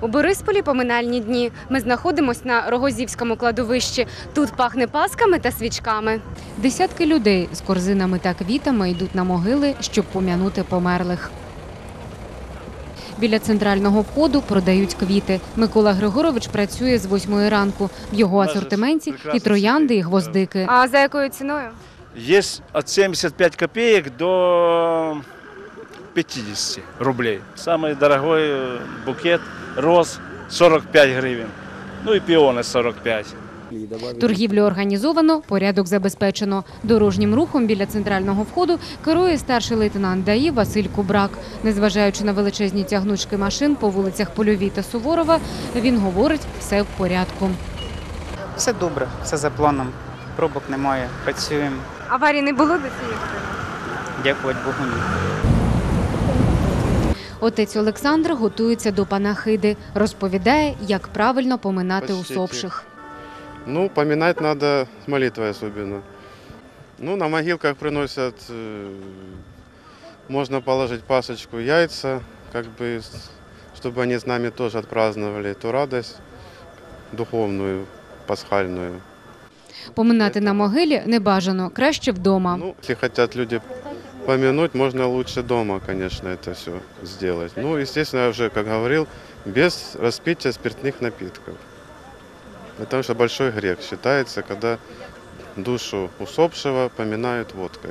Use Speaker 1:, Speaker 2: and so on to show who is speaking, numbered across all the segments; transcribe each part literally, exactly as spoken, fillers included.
Speaker 1: У Борисполі поминальні дні. Ми знаходимося на Рогозівському кладовищі. Тут пахне пасками та свічками. Десятки людей з корзинами та квітами йдуть на могили, щоб пом'янути померлих. Біля центрального входу продають квіти. Микола Григорович працює з восьмої ранку. В його асортименті і троянди, і гвоздики. А за якою ціною?
Speaker 2: Є від сімдесят п'ять копійок до п'ятдесят рублей. Самый дорогой букет роз сорок п'ять гривень. Ну і піони сорок п'ять.
Speaker 1: Торгівлю організовано, порядок забезпечено. Дорожнім рухом біля центрального входу керує старший лейтенант ДАІ Василь Кубрак. Незважаючи на величезні тягнучки машин по вулицях Польовій та Суворова, він говорить, все в порядку.
Speaker 3: Все добре, все за планом. Пробок немає, працюємо.
Speaker 1: Аварії не було до цієї?
Speaker 3: Дякувати Богу, ні.
Speaker 1: Отець Олександр готується до панахиди. Розповідає, як правильно поминати усопших.
Speaker 4: Ну, поминать надо с молитвой особенно. Ну, на могилках приносят, можно положить пасочку, яйца, как бы, чтобы они с нами тоже отпраздновали ту радость духовную, пасхальную.
Speaker 1: Поминати на могилі не бажано, краще вдома.
Speaker 4: Ну, если хотят люди помянуть, можно лучше дома, конечно, это все сделать. Ну, естественно, я уже, как говорил, без распития спиртных напитков. Потому что большой грех считается, когда душу усопшего поминают водкой.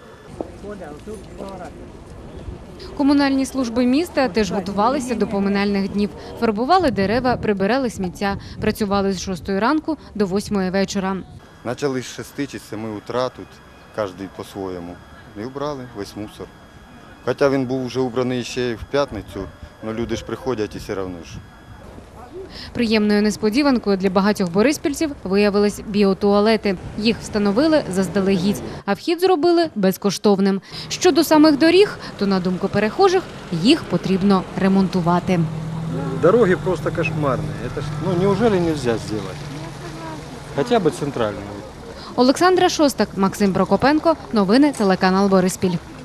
Speaker 1: Комунальні служби міста теж готувалися до поминальних днів. Фарбували дерева, прибирали сміття. Працювали з шостої ранку до восьмої вечора.
Speaker 5: Почали з шести чи семи утра тут, кожен по-своєму. І убрали весь мусор. Хоча він був вже убраний ще й в п'ятницю, але люди ж приходять і все одно ж.
Speaker 1: Приємною несподіванкою для багатьох бориспільців виявились біотуалети. Їх встановили заздалегідь, а вхід зробили безкоштовним. Щодо самих доріг, то, на думку перехожих, їх потрібно ремонтувати.
Speaker 6: Дороги просто кошмарные. Это ж, ну, неужели нельзя сделать? Хотя бы центральную.
Speaker 1: Олександра Шостак, Максим Прокопенко. Новини телеканал Бориспіль.